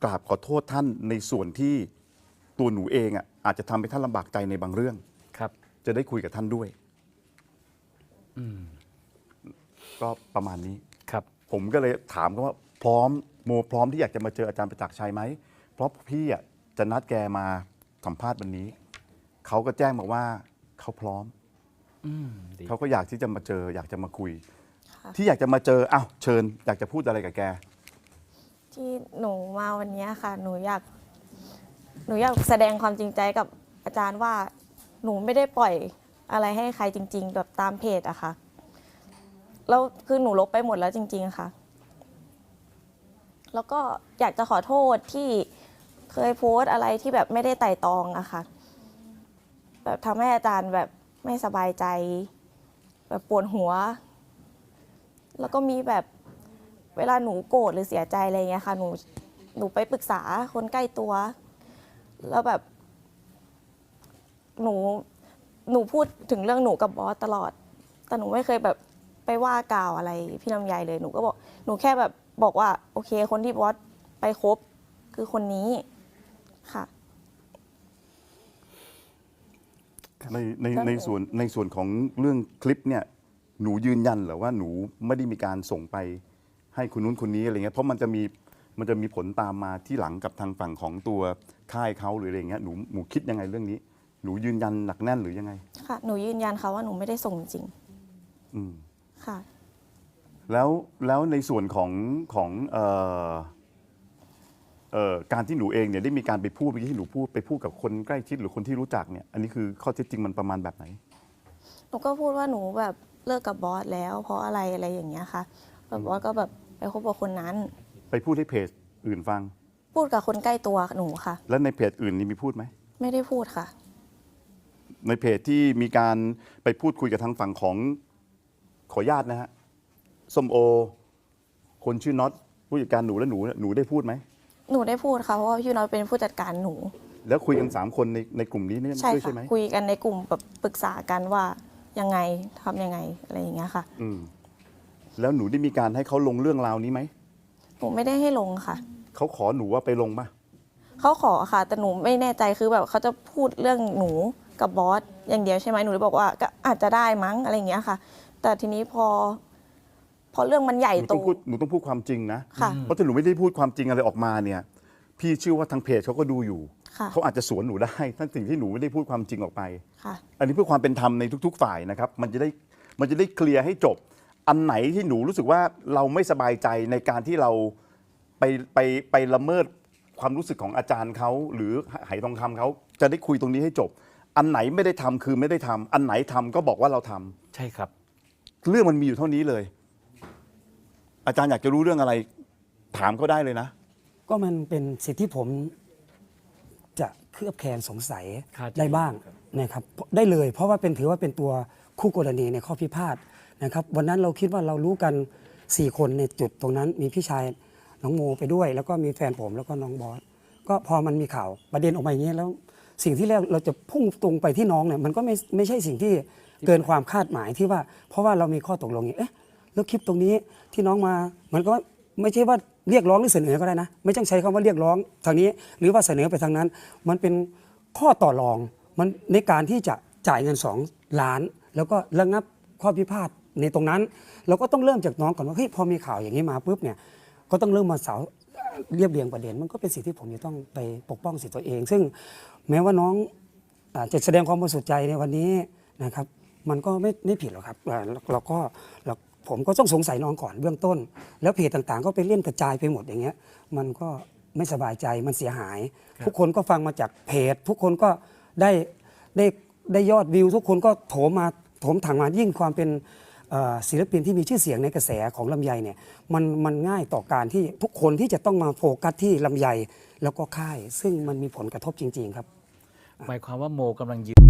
กราบขอโทษท่านในส่วนที่ตัวหนูเองอ่ะอาจจะทำให้ท่านลำบากใจในบางเรื่องครับจะได้คุยกับท่านด้วยก็ประมาณนี้ครับผมก็เลยถามเขาว่าพร้อมโมพร้อมที่อยากจะมาเจออาจารย์ประจักษ์ชัยไหมเพราะพี่อ่ะจะนัดแกมาสัมภาษณ์วันนี้เขาก็แจ้งมาว่าเขาพร้อมเขาก็อยากที่จะมาเจออยากจะมาคุยที่อยากจะมาเจออ้าวเชิญอยากจะพูดอะไรกับแกที่หนูมาวันนี้ค่ะหนูอยากแสดงความจริงใจกับอาจารย์ว่าหนูไม่ได้ปล่อยอะไรให้ใครจริงๆแบบตามเพจอะค่ะแล้วคือหนูลบไปหมดแล้วจริงๆค่ะแล้วก็อยากจะขอโทษที่เคยโพสต์อะไรที่แบบไม่ได้ไต่ตรองอะค่ะแบบทำให้อาจารย์แบบไม่สบายใจแบบปวดหัวแล้วก็มีแบบเวลาหนูโกรธหรือเสียใจอะไรเงี้ยค่ะหนูไปปรึกษาคนใกล้ตัวแล้วแบบหนูพูดถึงเรื่องหนูกับบอสตลอดแต่หนูไม่เคยแบบไปว่ากล่าวอะไรพี่ลำไยเลยหนูก็บอกหนูแค่แบบบอกว่าโอเคคนที่บอสไปคบคือคนนี้ค่ะในส่วนของเรื่องคลิปเนี่ยหนูยืนยันเหรอว่าหนูไม่ได้มีการส่งไปให้คนนู้นคนนี้อะไรเงี้ยเพราะมันจะมีผลตามมาที่หลังกับทางฝั่งของตัวค่ายเขาหรืออะไรเงี้ยหนูคิดยังไงเรื่องนี้หนูยืนยันหนักแน่นหรือยังไงค่ะหนูยืนยันค่ะว่าหนูไม่ได้ส่งจริงค่ะแล้วในส่วนของการที่หนูเองเนี่ยได้มีการไปพูดเมื่อกี้ที่หนูพูดไปพูดกับคนใกล้ชิดหรือคนที่รู้จักเนี่ยอันนี้คือข้อเท็จจริงมันประมาณแบบไหนหนูก็พูดว่าหนูแบบเลิกกับบอสแล้วเพราะอะไรอย่างเงี้ยค่ะแบบบอสก็แบบไปคบกับคนนั้นไปพูดให้เพจอื่นฟังพูดกับคนใกล้ตัวหนูค่ะแล้วในเพจอื่นนี่มีพูดไหมไม่ได้พูดค่ะในเพจที่มีการไปพูดคุยกับทางฝั่งของขออนุญาตนะฮะส้มโอคนชื่อน็อตผู้จัดการหนูและหนูได้พูดไหมหนูได้พูดค่ะเพราะว่าพี่น้อยเป็นผู้จัดการหนูแล้วคุยกัน3 คนในกลุ่มนี้นี่ด้วยใช่ไหมคุยกันในกลุ่มแบบปรึกษากันว่ายังไงทำยังไงอะไรอย่างเงี้ยค่ะแล้วหนูได้มีการให้เขาลงเรื่องราวนี้ไหมหนูไม่ได้ให้ลงค่ะเขาขอหนูว่าไปลงป่ะเขาขอค่ะแต่หนูไม่แน่ใจคือแบบเขาจะพูดเรื่องหนูกับบอสอย่างเดียวใช่ไหมหนูเลยบอกว่าก็อาจจะได้มั้งอะไรอย่างเงี้ยค่ะแต่ทีนี้พอเรื่องมันใหญ่โตหนูต้องพูดความจริงนะเพราะถ้าหนูไม่ได้พูดความจริงอะไรออกมาเนี่ยพี่เชื่อว่าทางเพจเขาก็ดูอยู่เขาอาจจะสวนหนูได้ทั้งสิ่งที่หนูไม่ได้พูดความจริงออกไปอันนี้เพื่อความเป็นธรรมในทุกๆฝ่ายนะครับมันจะได้เคลียร์ให้จบอันไหนที่หนูรู้สึกว่าเราไม่สบายใจในการที่เราไปละเมิดความรู้สึกของอาจารย์เขาหรือไหทองคำเขาจะได้คุยตรงนี้ให้จบอันไหนไม่ได้ทำคือไม่ได้ทำอันไหนทำก็บอกว่าเราทำใช่ครับเรื่องมันมีอยู่เท่านี้เลยอาจารย์อยากจะรู้เรื่องอะไรถามเขาได้เลยนะก็มันเป็นสิทธิที่ผมจะเคลือบแคลงสงสัยได้บ้างนะครับได้เลยเพราะว่าถือว่าเป็นตัวคู่กรณีในข้อพิพาทนะครับวันนั้นเราคิดว่าเรารู้กัน4 คนในจุดตรงนั้นมีพี่ชายน้องโมไปด้วยแล้วก็มีแฟนผมแล้วก็น้องบอสก็พอมันมีข่าวประเด็นออกมาอย่างนี้แล้วสิ่งที่แรกเราจะพุ่งตรงไปที่น้องเนี่ยมันก็ไม่ใช่สิ่งที่เกินความคาดหมายที่ว่าเพราะว่าเรามีข้อตกลงเอ๊ะแล้วคลิปตรงนี้ที่น้องมามันก็ไม่ใช่ว่าเรียกร้องหรือเสนอก็ได้นะไม่ต้องใช้คำว่าเรียกร้องทางนี้หรือว่าเสนอไปทางนั้นมันเป็นข้อต่อรองมันในการที่จะจ่ายเงิน2 ล้านแล้วก็ระงับข้อพิพาทในตรงนั้นเราก็ต้องเริ่มจากน้องก่อนว่าเฮ้ยพอมีข่าวอย่างนี้มาปุ๊บเนี่ยก็ต้องเริ่มมาเรียบเรียงประเด็นมันก็เป็นสิ่งที่ผมจะต้องไปปกป้องสิทธิตัวเองซึ่งแม้ว่าน้องจะแสดงความบริสุทธิ์ใจในวันนี้นะครับมันก็ไม่ผิดหรอกครับผมก็ต้องสงสัยน้องก่อนเบื้องต้นแล้วเพจต่างๆก็ไปเล่นกระจายไปหมดอย่างเงี้ยมันก็ไม่สบายใจมันเสียหายทุกคนก็ฟังมาจากเพจทุกคนก็ได้ยอดวิวทุกคนก็โถมถังมายิ่งความเป็นศิลปินที่มีชื่อเสียงในกระแสของลำไยเนี่ยมันง่ายต่อการที่ทุกคนที่จะต้องมาโฟกัสที่ลำไยแล้วก็ค่ายซึ่งมันมีผลกระทบจริงๆครับหมายความว่าโมกำลังยืน